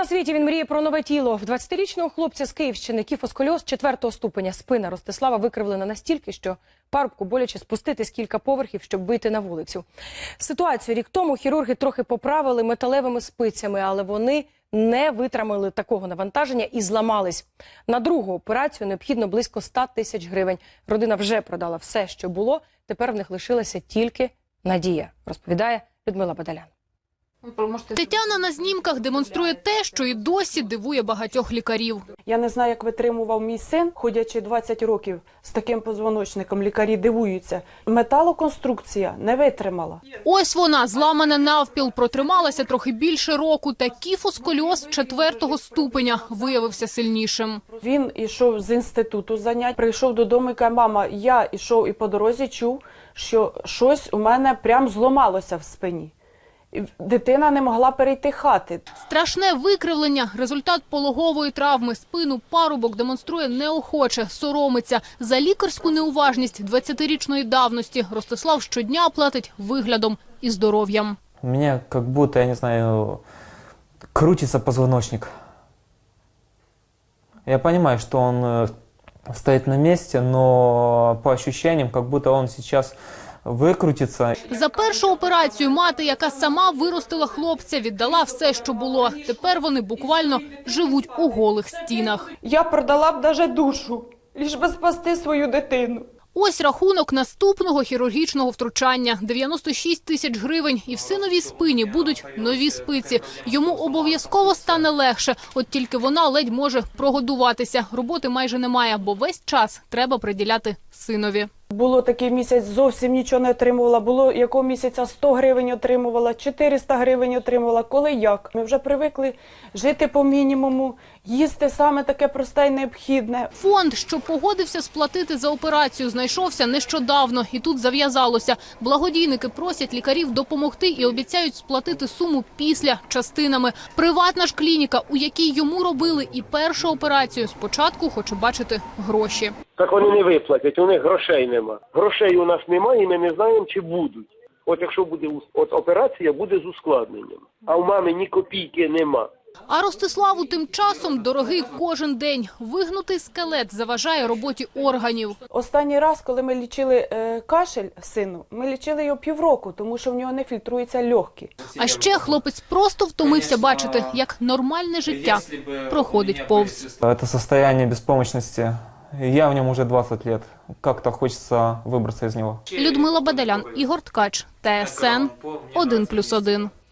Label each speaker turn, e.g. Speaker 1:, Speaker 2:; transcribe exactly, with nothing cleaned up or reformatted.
Speaker 1: на світі він мріє про нове тіло. В двадцятирічного хлопця з Київщини кіфосколіоз четвертого ступеня. Спина Ростислава викривлена настільки, що парубку боляче спуститись кілька поверхів, щоб вийти на вулицю. Ситуацію рік тому хірурги трохи поправили металевими спицями, але вони не витримали такого навантаження і зламались. На другу операцію необхідно близько ста тисяч гривень. Родина вже продала все, що було. Тепер в них лишилася тільки надія, розповідає Людмила Бадалян.
Speaker 2: Тетяна на знімках демонструє те, що і досі дивує багатьох лікарів.
Speaker 3: Я не знаю, як витримував мій син, ходячи двадцять років з таким позвоночником, лікарі дивуються. Металоконструкція не витримала.
Speaker 2: Ось вона, зламана навпіл, протрималася трохи більше року, та кіфосколіоз четвертого ступеня виявився сильнішим.
Speaker 3: Він йшов з інституту занять, прийшов додому і каже: мама, я йшов і по дорозі чув, що щось у мене прям зламалося в спині. Дитина не могла перейти хати.
Speaker 2: Страшне викривлення – результат пологової травми. Спину парубок демонструє неохоче, соромиться. За лікарську неуважність двадцятирічної давності Ростислав щодня платить виглядом і здоров'ям.
Speaker 4: У мене як будто, я не знаю, крутиться позвоночник. Я розумію, що він стоїть на місці, але по ощущениям, як будто він зараз викрутиться.
Speaker 2: За першу операцію мати, яка сама виростила хлопця, віддала все, що було. Тепер вони буквально живуть у голих стінах.
Speaker 3: Я продала б навіть душу, лиш би спасти свою дитину.
Speaker 2: Ось рахунок наступного хірургічного втручання – дев'яносто шість тисяч гривень. І в синовій спині будуть нові спиці. Йому обов'язково стане легше, от тільки вона ледь може прогодуватися. Роботи майже немає, бо весь час треба приділяти синові.
Speaker 3: Було такий місяць, зовсім нічого не отримувала. Було якого місяця сто гривень отримувала, чотириста гривень отримувала. Коли як? Ми вже привикли жити по мінімуму, їсти саме таке просте і необхідне.
Speaker 2: Фонд, що погодився сплатити за операцію, знайшовся нещодавно. І тут зав'язалося. Благодійники просять лікарів допомогти і обіцяють сплатити суму після частинами. Приватна ж клініка, у якій йому робили і першу операцію, спочатку хоче бачити гроші.
Speaker 5: Так вони не виплатять, у них грошей нема. Грошей у нас немає і ми не знаємо, чи будуть. От якщо буде от операція, буде з ускладненням. А в мами ні копійки нема.
Speaker 2: А Ростиславу тим часом дорогий кожен день. Вигнутий скелет заважає роботі органів.
Speaker 3: Останній раз, коли ми лічили е, кашель сину, ми лічили його півроку, тому що в нього не фільтруються легкі.
Speaker 2: А ще хлопець просто втомився бачити, як нормальне життя проходить повз.
Speaker 4: Це состояние безпомощності. Я в ньому вже двадцять років. Як-то хочеться вибратися з нього.
Speaker 2: Людмила Бадалян, Ігор Ткач, Т С Н один плюс один.